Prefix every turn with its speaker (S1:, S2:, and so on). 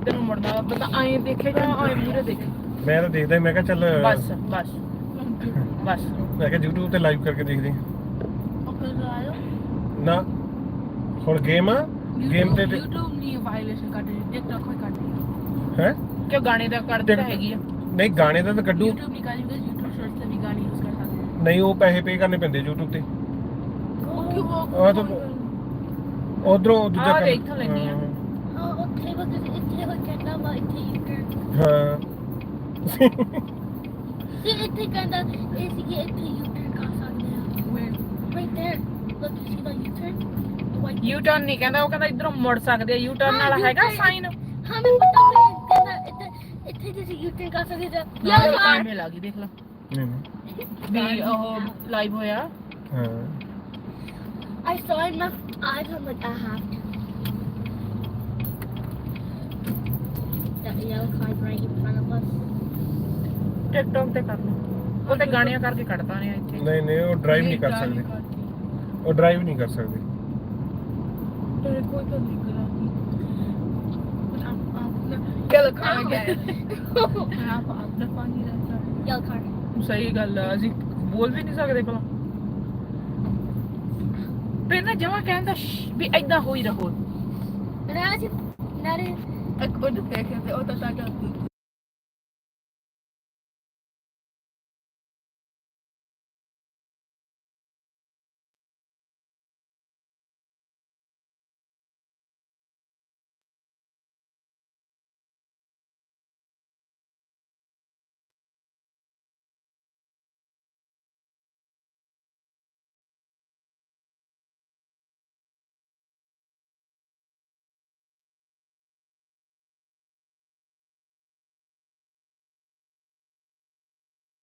S1: ਇੱਧਰ ਨੂੰ ਮੁੜਨਾ ਪਤਾ ਐਂ ਦੇਖੇ ਜਾਂ ਐਂ ਮੂਹਰੇ ਦੇਖੇ।
S2: ਮੈਂ ਤਾਂ ਦੇਖਦਾ ਮੈਂ ਕਿਹਾ ਚੱਲ
S1: ਬਸ ਬਸ ਬਸ
S2: ਮੈਂ ਕਿਹਾ YouTube ਤੇ ਲਾਈਵ ਕਰਕੇ ਦੇਖਦੇ ਹਾਂ। ਨਾ ਹੁਣ ਗੇਮ ਆ ਗੇਮ ਤੇ
S1: YouTube ਨਹੀਂ ਵਾਇਲੇਸ਼ਨ ਕੱਢ ਰਹੀ TikTok ਕੋਈ ਕੱਢ ਰਹੀ
S2: ਹੈ
S1: ਕਿਉਂ ਗਾਣੇ ਦਾ ਕੱਢਦੀ ਤਾਂ ਹੈਗੀ ਆ।
S2: ਨਹੀਂ ਗਾਣੇ ਦਾ ਤਾਂ ਕੱਢੂ
S1: YouTube ਨਹੀਂ ਕੱਢ ਰਹੀ YouTube ਸ਼ਾਰਟਸ ਤੇ ਵੀ ਗਾਣੇ ਯੂਜ਼ ਕਰ ਸਕਦੇ
S2: ਨਹੀਂ ਉਹ ਪੈਸੇ ਪੇ ਕਰਨੇ ਪੈਂਦੇ YouTube ਤੇ
S1: ਉਹ ਕਿਉਂ
S2: ਆ ਤਾਂ ਉਧਰੋਂ ਦੂਜਾ
S1: ਆ
S2: ਕੰਮ
S1: ਦੇਖ ਤਾਂ ਲੈਣੀ ਆ
S3: ਉੱਥੇ ਬਸ ਇੱਥੇ ਹੋ ਕਹਿੰਦਾ ਵਾ ਇੱਥੇ U-turn
S2: ਹਾਂ
S3: see ਇੱਥੇ ਕਹਿੰਦਾ ਇਹ ਸੀ ਕਿ ਇੱਥੇ U-turn ਕਰ ਸਕਦੇ ਆ right there look you see the U-turn the white
S1: U turn ਨਹੀਂ ਕਹਿੰਦਾ ਉਹ ਕਹਿੰਦਾ ਇਧਰੋਂ ਮੁੜ ਸਕਦੇ ਆ ਯੂ ਟਰਨ ਵਾਲਾ ਹੈਗਾ ਸਾਈਨ
S3: ਹਾਂ ਮੈਂ ਪਤਾ ਮੈਂ ਕਹਿੰਦਾ ਇੱਥੇ ਤੁਸੀਂ U-turn ਕਰ ਸਕਦੇ ਆ
S1: ਯਾਰ ਟਾਈਮ ਲੱਗ ਗਈ ਦੇਖ ਲੈ
S2: ਨਹੀਂ
S1: ਵੀ ਉਹ ਲਾਈਵ ਹੋਇਆ
S2: ਹਾਂ
S3: I saw it in my eyes I'm like I have to that yellow card right in front of us
S1: TikTok ਤੇ ਕਰ ਲਓ ਉਹ ਤੇ ਗਾਣਿਆਂ ਕਰਕੇ ਕੱਢਦਾ ਨੇ ਇੱਥੇ
S2: ਨਹੀਂ ਨਹੀਂ ਉਹ ਡਰਾਈਵ ਨਹੀਂ ਕਰ ਸਕਦੇ ਉਹ ਡਰਾਈਵ ਨਹੀਂ ਕਰ ਸਕਦੇ
S1: ਤੇਰੇ ਕੋਈ ਤਾਂ ਲਿਖ ਰਹਾ ਕਿਹੜਾ ਕਾਰ ਗਿਆ ਆਪ ਆਪਣਾ ਪਾਣੀ ਰਹਿਤਾ
S3: yellow card
S1: ਸਹੀ ਗੱਲ ਆ ਅਸੀਂ ਬੋਲ ਵੀ ਨਹੀਂ ਸਕਦੇ ਭਲਾ ਪਹਿਲਾਂ ਜਮਾ ਕਹਿੰਦਾ ਵੀ ਐਦਾਂ ਹੋਈ ਰਹੋ
S3: and I was not
S1: ਇੱਕ ਉਹ ਦੇਖਿਆ ਤੇ ਉਹ ਤਾਂ ਸਾਡਾ